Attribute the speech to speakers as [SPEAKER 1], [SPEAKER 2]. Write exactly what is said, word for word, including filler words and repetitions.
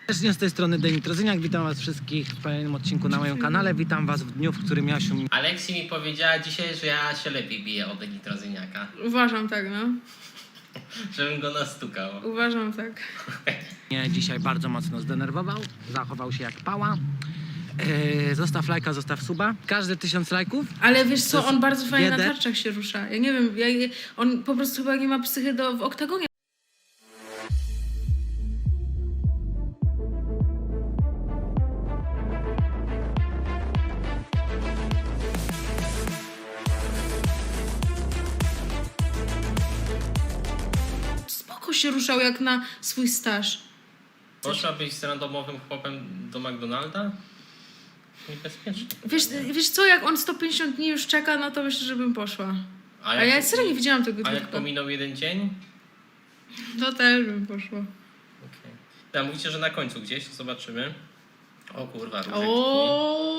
[SPEAKER 1] Serdecznie z tej strony Denitrozyniak, witam was wszystkich w kolejnym odcinku na moim kanale. Witam was w dniu, w którym Jasiu mi...
[SPEAKER 2] Aleksi mi powiedziała dzisiaj, że ja się lepiej biję od Denitrozyniaka.
[SPEAKER 3] Uważam tak, no.
[SPEAKER 2] Żebym go nastukał.
[SPEAKER 3] Uważam tak.
[SPEAKER 1] mnie dzisiaj bardzo mocno zdenerwował. Zachował się jak pała. Yy, zostaw lajka, zostaw suba. Każdy tysiąc lajków.
[SPEAKER 3] Ale wiesz
[SPEAKER 1] To
[SPEAKER 3] co,
[SPEAKER 1] jest
[SPEAKER 3] on bardzo fajnie
[SPEAKER 1] jeden-
[SPEAKER 3] na tarczach się rusza. Ja nie wiem, ja, on po prostu chyba nie ma psychy do, w oktagonie. Spoko się ruszał jak na swój staż.
[SPEAKER 2] Poszłabyś z randomowym chłopem do McDonalda? Niebezpiecznie.
[SPEAKER 3] Wiesz, wiesz co, jak on sto pięćdziesiąt dni już czeka, no to myślę, żebym poszła.
[SPEAKER 2] A,
[SPEAKER 3] A
[SPEAKER 2] jak,
[SPEAKER 3] ja serio nie widziałam tego
[SPEAKER 2] A jak
[SPEAKER 3] typka.
[SPEAKER 2] pominął jeden dzień?
[SPEAKER 3] To też bym poszła.
[SPEAKER 2] Okay. Ja, mówicie, że na końcu gdzieś, zobaczymy. O kurwa, różyczki.
[SPEAKER 3] O,